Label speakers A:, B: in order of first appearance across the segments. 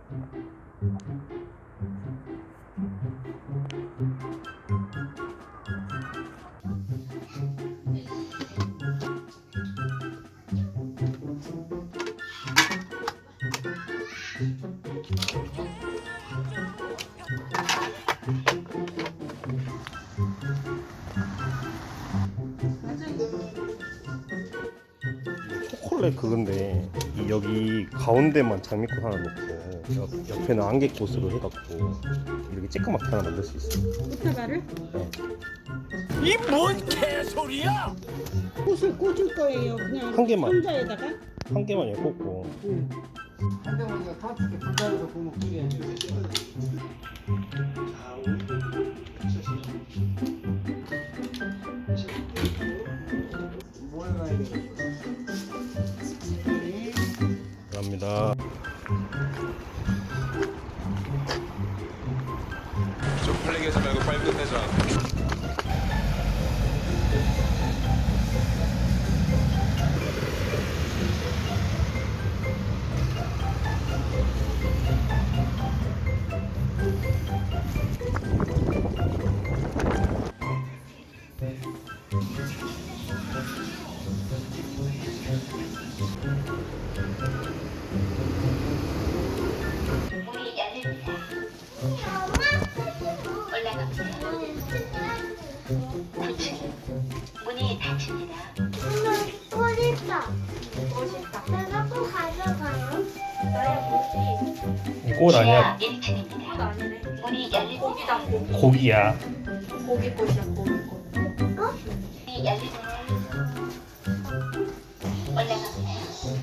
A: 초콜릿 그건데 여기 가운데만 장미꽃 하나 놓고 옆에는 안개꽃으로 해갖고 이렇게 쬐끄맣게 하나 만들 수 있어요.
B: 꽃다발을?
A: 네.
C: 이 뭔 개소리야?
B: 꽃을 꽂을 거예요. 그냥
A: 한 개만.
B: 상자에다가.
A: 한 개만 꽂고.
B: 응.
D: 한 대만 이거 터치게 불가에서 구멍 뚫게 모여가야 돼.
A: 감사합니다.
E: 쪽팔리게 하지 말고 빨리 끝내자.
F: 문이 열립니다. 올라갑니다. 9층 문이 닫힙니다.
G: 꽃 있다. 내가 또 가져가요.
A: 꽃
F: 지하
A: 아니야.
F: 1층입니다. 문이 열립니다.
A: 고기야.
B: 고기꽃이야, 고기꽃.
F: 문이 열립니다. 올라갑니다.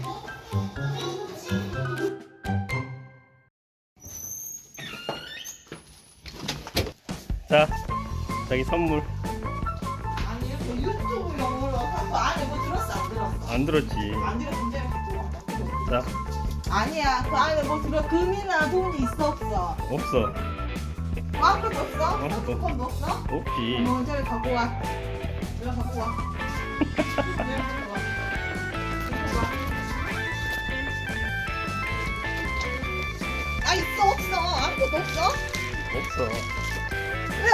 A: 자, 자기 선물.
H: 아니요, 그 유튜브 영어로 한거 안에 뭐 들었어 안 들었어?
A: 안 들었지.
H: 안 들었는데
A: 자,
H: 아니야, 그 안에 뭐 들어 금이나 돈이 있어 없어?
A: 없어.
H: 아무것도 없어?
A: 없어.
H: 핸드폰도 없어?
A: 없지.
H: 어머 저기 갖고 와. 저기 갖고 와. 저기 갖고 와. 갖고 와. 아 있어 없어? 아무것도 없어?
A: 없어.
H: 왜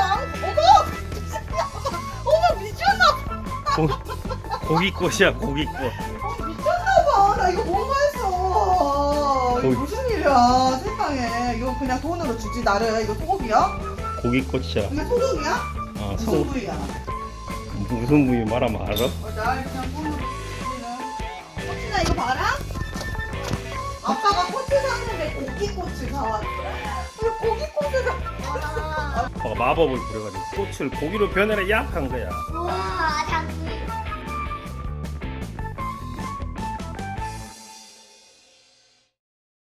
H: 어머 미쳤나?
A: 고기꽃이야, 고기꽃.
H: 미쳤나봐. 나 이거 뭔가 했어. 이거
A: 거기-
H: 무슨 일이야 세상에. 이거 그냥 돈으로 주지 나를. 이거 소고기야?
A: 고기꽃이야.
H: 이게 소고기야?
A: 아,
H: 무슨
A: 소,
H: 부위야?
A: 무슨 부위 말하면 알아?
H: 날 그냥 돈으로 주지는. 꽃이나 이거 봐라. 아빠가 꽃을 샀는데 고기꽃을 사왔어. 왜 고기꽃을 사?
A: 아빠가 마법을 부려가지고 꽃을 고기로 변해라 약 한 거야.
G: 우와, 장미.